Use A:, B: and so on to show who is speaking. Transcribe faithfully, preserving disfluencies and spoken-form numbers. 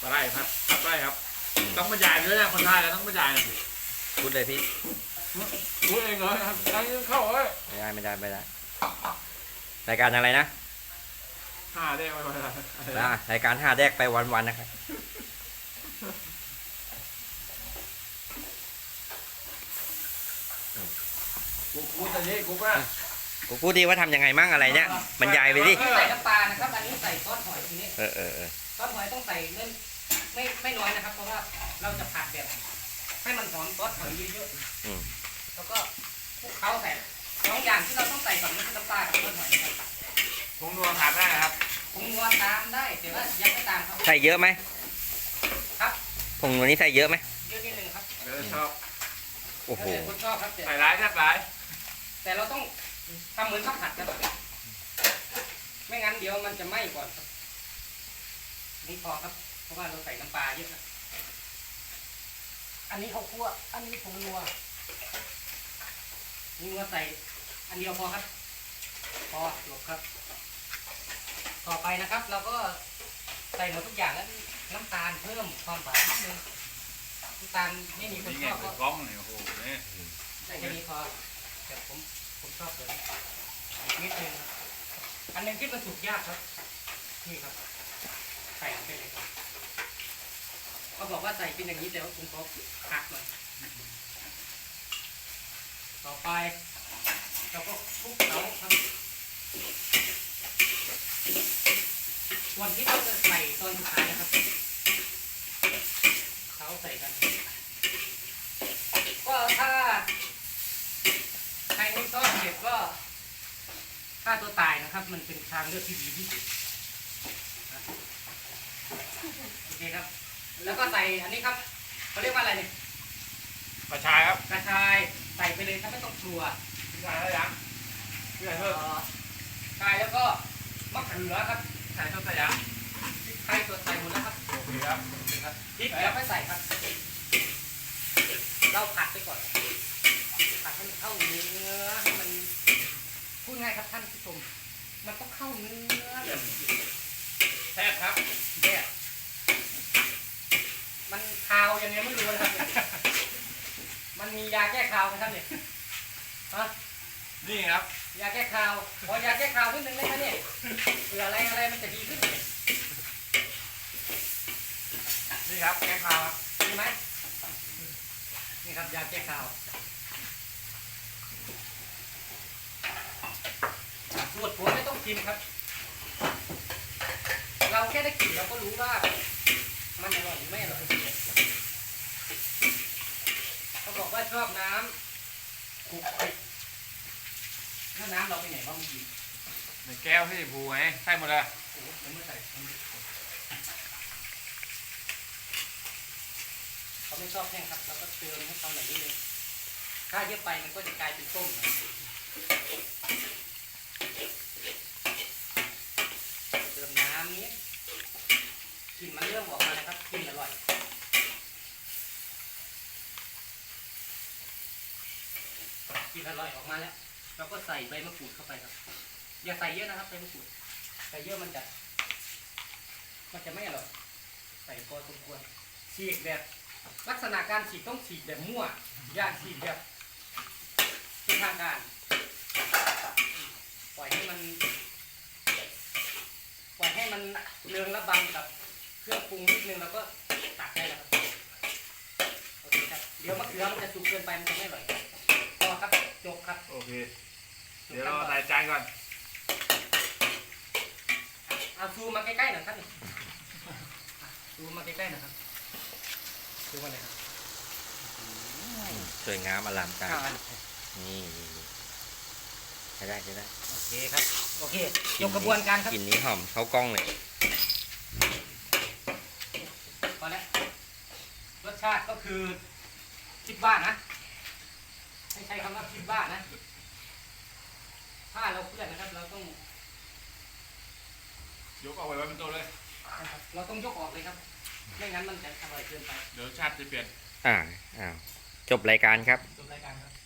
A: ไร่ครับครับไร่ครับต้องบรรยายด้วยนะคนไทยแล้วต้องบรรยาย
B: พูดเลยพี่
A: รู้เองเลยครับตั้งเข้าเอ้ย
B: ไม่ได้ไม่ได้ไม่ได้รายการอะไรนะ
A: ห้าได้ไหมวะ
B: อ่ารายการห้าแดกไปวันๆนะครับ
A: กูกูแต่นี้กูว่า
B: กูพูดดีว่าทำยังไงมั่งอะไรเนี่ยบรรยายไปดิ
C: ใส่น้ำปลานะครับอันนี้ใส่ซอสหอยทีนี้
B: เออเออเออ
C: ซอสหอยต้องใส่เล่นไม่ไม่น้อยนะครับ เพราะว่าเราจะผัดแบบให้มันหอมซอสหอยเยอะ
B: อืม
C: ๆแล้วก็คลุกเคล้าใส่สองอย่างที่เราต้องใส่ก่อนนี่คือน้ำปลากับซอสหอยนะครับ
A: ผงนัวขาดได้ครับ
C: ผงนัวตามได้แต่ว่ายังไม่ตามครับ
B: ใส่เยอะไหม
C: ครับ
B: ผงตัวนี้ใส่เยอะไหม
C: เยอะนิดนึงครับ
A: เออชอบ
B: โอ้โห
C: แล้วแต่คนชอบครับแต่
A: ใส่ร้ายแทบร้าย
C: แต่เราต้องทำเหมือนข้าวผัดนะครับไม่งั้นเดี๋ยวมันจะไหม้ก่อนครับนี่พอครับเพราะว่าเราใส่น้ำปลาเยอะนะอันนี้ข้าวคั่วอันนี้ผงนัวนัวใส่อันเดียวพอครับ พอจบครับ ต่อไปนะครับ เราก็ใส่หมดทุกอย่างแล้วน้ำตาลเพิ่มความหวานนิดนึงน้ำตาลไม่มีคน
A: นี่
C: ช
A: ไง
C: อบ
A: เปิ
C: ก็
A: ดกล้องเนี่ยโอ้โหเนี่ย
C: ใส่แค่นี้พอแต่ผมผมชอบเลยอีกนิดนึงครับอันหนึงที่มันสุกยากครับนี่ครับใส่ลงไปเลยครับเขาบอกว่าใส่เป็นอย่างนี้แต่ว่าผมขอหักหน่อยต่อไปเราก็คลุกเคล้าครับส่วนที่เราจะใส่ตอนสุดท้ายนะครับเขาใส่กัน ก็ถ้าใครไม่ต้อนเสร็จก็ฆ่าตัวตายนะครับ มันเป็นทางเลือกที่ดีที่สุดนะโอเคครับ แล้วก็ใส่อันนี้ครับเขาเรียกว่าอะไรเนี่ย
A: กระชายครับ
C: กระชายใส่ไปเลยครับไม่ต้องกลัว
A: กระชายอะไรยังพี่ใส่
C: เอ่
A: เพิ่ม
C: อชายแล้วก็มะเขือครับ
A: ใส่เพิ่มใส่ยัง
C: พริกไทยตัวใส่หมดแล้วครับ
A: โอเคครับ
C: โอเคครับพริกเดี๋ยวไม่ใส่ครับ เราผัดไปก่อนผัดให้มันเข้าเนื้อให้มันพูดง่ายครับท่านผู้ชมมันต้องเข้าเนื้อแบบ
A: แซ่บครับ
C: เนี่ยมันคาวยังไงไม่รู้นะครับเนี่ยมันมียาแก้คาวไหมครับเนี่ยฮะ
A: นี่ครับ
C: ยาแก้คาวขอยาแก้คาวนิดนึงได้ไหมเนี่ยเผื่ออะไรอะไรมันจะดีขึ้น
A: นี่ครับแกงข้าวครับ
C: ดีไหมนี่ครับยาแก้คาวสูตรผมไม่ต้องกินครับ เราแค่ได้กลิ่นเราก็รู้ว่ามันอร่อยหรือไม่อร่อยเขาบอกว่าชอบน้ำขลุกขลิกถ้าน้ำเราไปไหนบ้างกิน
A: ในแก้วที่ผูไงใส่หมดเลย
C: โอ้โหผมไม่ใส่เขาไม่ชอบแห้งครับเราก็เติมให้เขาหน่อยนิดนึงถ้าเยอะไปมันก็จะกลายเป็นต้มนะเติมน้ำนี้กลิ่นมันเริ่มออกมาแล้วครับกลิ่นอร่อยกลิ่นอร่อยออกมาแล้วเราก็ใส่ใบมะกรูดเข้าไปครับอย่าใส่เยอะนะครับใบมะกรูดใส่เยอะมันจะมันจะไม่อร่อยใส่พอสมควรฉีกแบบลักษณะการฉีกต้องฉีกแบบมั่วอย่าฉีกแบบเป็นทางการปล่อยให้มันปล่อยให้มันเรืองระบำกับเครื่องปรุงนิดนึงแล้วก็ตักได้แล้วครับโอเคครับเดี๋ยวมะเขือมันจะสุกเกินไปมันจะไม่อร่อยพอครับจบครับ
A: โอเคเดี๋ยวเราใส่จานก่อน
C: เอาซูมมาใกล้ๆหน่อยครับนี่ซูมมาใกล้ๆหนะครับซูมมาเลยครับ
B: สวยงามอลังการ
C: ข้าวอัน
B: นี่นี่นี่ใช้ได้ใช้ได้
C: โอเคครับโอเคยกกระบวนการครับ
B: กลิ่นนี้หอมเข้ากล้องเลย
C: พอแล้วรสชาติก็คือคิดบ้านนะให้ใช้คำว่าคิดบ้านนะถ้าเราเพื่อนนะครับเราต้อง
A: ยกเอาไว้ไว้เป็นตัวเลย
C: เราต้องยกออกเลยครับไม่งั้นมันจะอร่อยเกินไป
A: เดี๋ยวชาติจะเปลี่ยน
B: อ่าอ้าวจบรายการครับ
C: จบรายการครับ